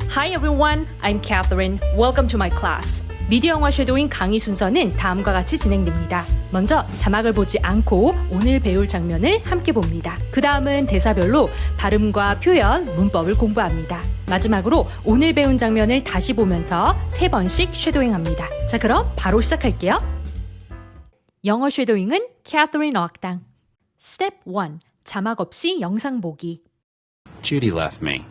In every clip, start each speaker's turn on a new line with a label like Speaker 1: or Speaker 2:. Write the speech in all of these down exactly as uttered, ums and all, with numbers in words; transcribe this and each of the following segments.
Speaker 1: Hi everyone, I'm Catherine. Welcome to my class. 미디어 영어 쉐도잉 강의 순서는 다음과 같이 진행됩니다. 먼저 자막을 보지 않고 오늘 배울 장면을 함께 봅니다. 그 다음은 대사별로 발음과 표현, 문법을 공부합니다. 마지막으로 오늘 배운 장면을 다시 보면서 세 번씩 쉐도잉합니다. 자, 그럼 바로 시작할게요. 영어 쉐도잉은 캐서린 어학당. Step one. 자막 없이 영상 보기.
Speaker 2: Judy left me.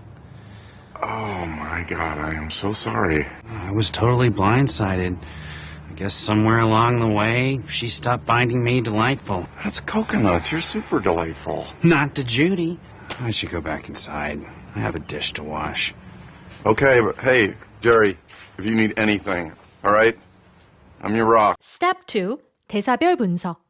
Speaker 3: Oh my God, I am so sorry.
Speaker 2: I was totally blindsided. I guess somewhere along the way, she stopped finding me delightful.
Speaker 3: That's coconuts. You're super delightful.
Speaker 2: Not to Judy. I should go back inside. I have a dish to wash.
Speaker 3: Okay, but hey, Jerry, if you need anything, all right? I'm your rock.
Speaker 1: Step two. 대사별 분석.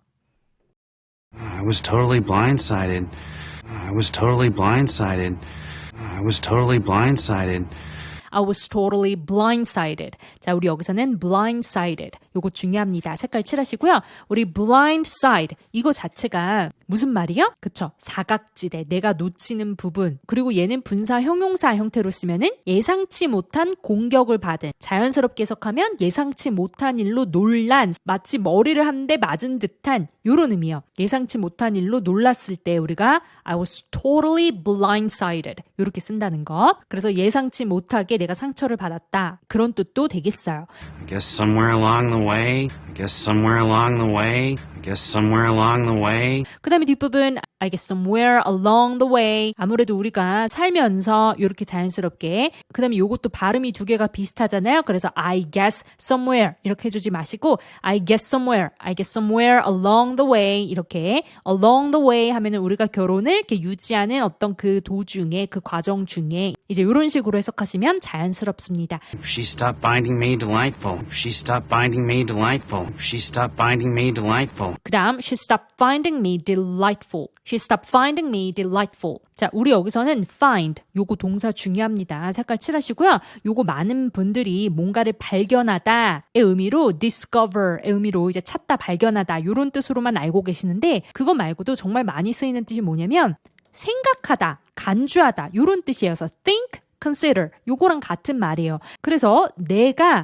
Speaker 2: I was totally blindsided. I was totally blindsided. I was totally blindsided.
Speaker 1: I was totally blindsided. 자, 우리 여기서는 blindsided. 요거 중요합니다. 색깔 칠하시고요. 우리 blindside 이거 자체가 무슨 말이요? 그쵸? 사각지대, 내가 놓치는 부분. 그리고 얘는 분사 형용사 형태로 쓰면은 예상치 못한 공격을 받은. 자연스럽게 해석하면 예상치 못한 일로 놀란, 마치 머리를 한 대 맞은 듯한 요런 의미요. 예상치 못한 일로 놀랐을 때 우리가 I was totally blindsided 요렇게 쓴다는 거. 그래서 예상치 못하게 내가 상처를 받았다. 그런 뜻도 되겠어요.
Speaker 2: I guess somewhere along the way. I guess somewhere along the way. I guess somewhere along the way.
Speaker 1: 그 다음에 뒷부분 I guess somewhere along the way. 아무래도 우리가 살면서 이렇게 자연스럽게 그 다음에 요것도 발음이 두 개가 비슷하잖아요. 그래서 I guess somewhere 이렇게 해주지 마시고 I guess somewhere, I guess somewhere along the way 이렇게 along the way 하면은 우리가 결혼을 이렇게 유지하는 어떤 그 도중에 그 과정 중에 이제 이런 식으로 해석하시면 자연스럽습니다.
Speaker 2: She stopped finding me delightful. She stopped finding me delightful. She stopped finding me delightful.
Speaker 1: 그 다음 she stopped finding me delightful. She stopped finding me delightful. 자, 우리 여기서는 find 요거 동사 중요합니다. 색깔 칠하시고요. 요거 많은 분들이 뭔가를 발견하다의 의미로 discover의 의미로 이제 찾다, 발견하다 요런 뜻으로만 알고 계시는데 그거 말고도 정말 많이 쓰이는 뜻이 뭐냐면 생각하다, 간주하다 요런 뜻이어서 think, consider 요거랑 같은 말이에요. 그래서 내가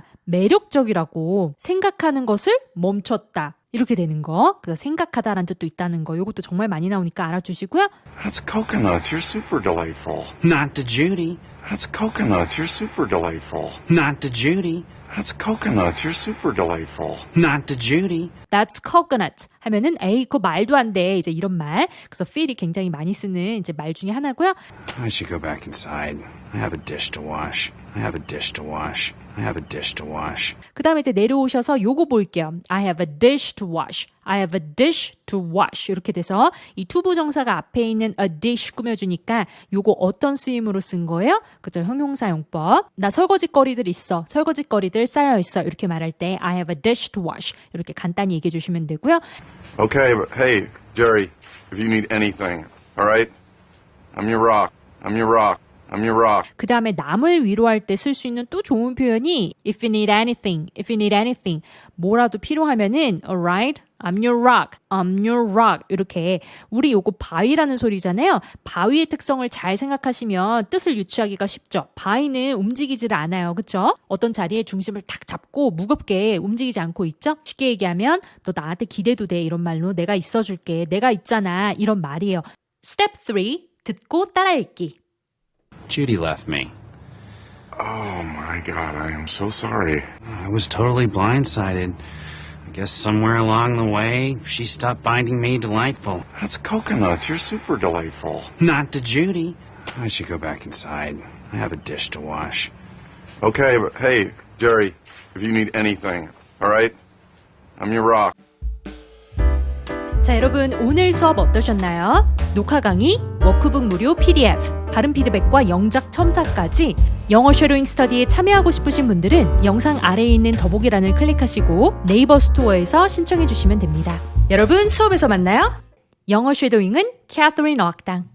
Speaker 1: 매력적이라고 생각하는 것을 멈췄다. 이렇게 되는 거. 그래서 생각하다라는 뜻도 있다는 거. 이것도 정말 많이 나오니까 알아주시고요.
Speaker 3: That's coconuts. You're super delightful.
Speaker 2: Not to Judy.
Speaker 3: That's coconuts. You're super delightful.
Speaker 2: Not to Judy.
Speaker 3: That's coconuts. You're super delightful.
Speaker 2: Not to Judy.
Speaker 1: That's coconut 하면은 에이 그거 말도 안 돼. 이제 이런 말. 그래서 feel이 굉장히 많이 쓰는 이제 말 중에 하나고요.
Speaker 2: I should go back inside. I have a dish to wash. I have a dish to wash. I have a dish to wash.
Speaker 1: 그 다음에 이제 내려오셔서 요거 볼게요. I have a dish to wash. I have a dish to wash. 이렇게 돼서 이 투부정사가 앞에 있는 a dish 꾸며주니까 요거 어떤 쓰임으로 쓴 거예요? 그죠? 형용사용법. 나 설거지거리들 있어. 설거지거리들 쌓여있어. 이렇게 말할 때 I have a dish to wash. 이렇게 간단히 얘기해 주시면 되고요.
Speaker 3: Okay, but hey, Jerry, if you need anything, all right? I'm your rock. I'm your rock. I'm your rock.
Speaker 1: 그 다음에 남을 위로할 때 쓸 수 있는 또 좋은 표현이 if you need anything, if you need anything 뭐라도 필요하면은 alright, I'm your rock, I'm your rock 이렇게 우리 요거 바위라는 소리잖아요. 바위의 특성을 잘 생각하시면 뜻을 유추하기가 쉽죠. 바위는 움직이지를 않아요. 그쵸? 어떤 자리에 중심을 탁 잡고 무겁게 움직이지 않고 있죠? 쉽게 얘기하면 너 나한테 기대도 돼 이런 말로 내가 있어줄게, 내가 있잖아 이런 말이에요. Step three, 듣고 따라 읽기.
Speaker 2: Judy left me.
Speaker 3: Oh my God, I am so sorry.
Speaker 2: I was totally blindsided. I guess somewhere along the way, she stopped finding me delightful.
Speaker 3: That's coconuts. You're super delightful.
Speaker 2: Not to Judy. I should go back inside. I have a dish to wash.
Speaker 3: Okay, but hey, Jerry, if you need anything, all right? I'm your rock.
Speaker 1: 자, 여러분 오늘 수업 어떠셨나요? 녹화 강의, 워크북 무료 피디에프, 발음 피드백과 영작 첨삭까지 영어 쉐도잉 스터디에 참여하고 싶으신 분들은 영상 아래에 있는 더보기란을 클릭하시고 네이버 스토어에서 신청해 주시면 됩니다. 여러분 수업에서 만나요. 영어 쉐도잉은 캐서린 어학당.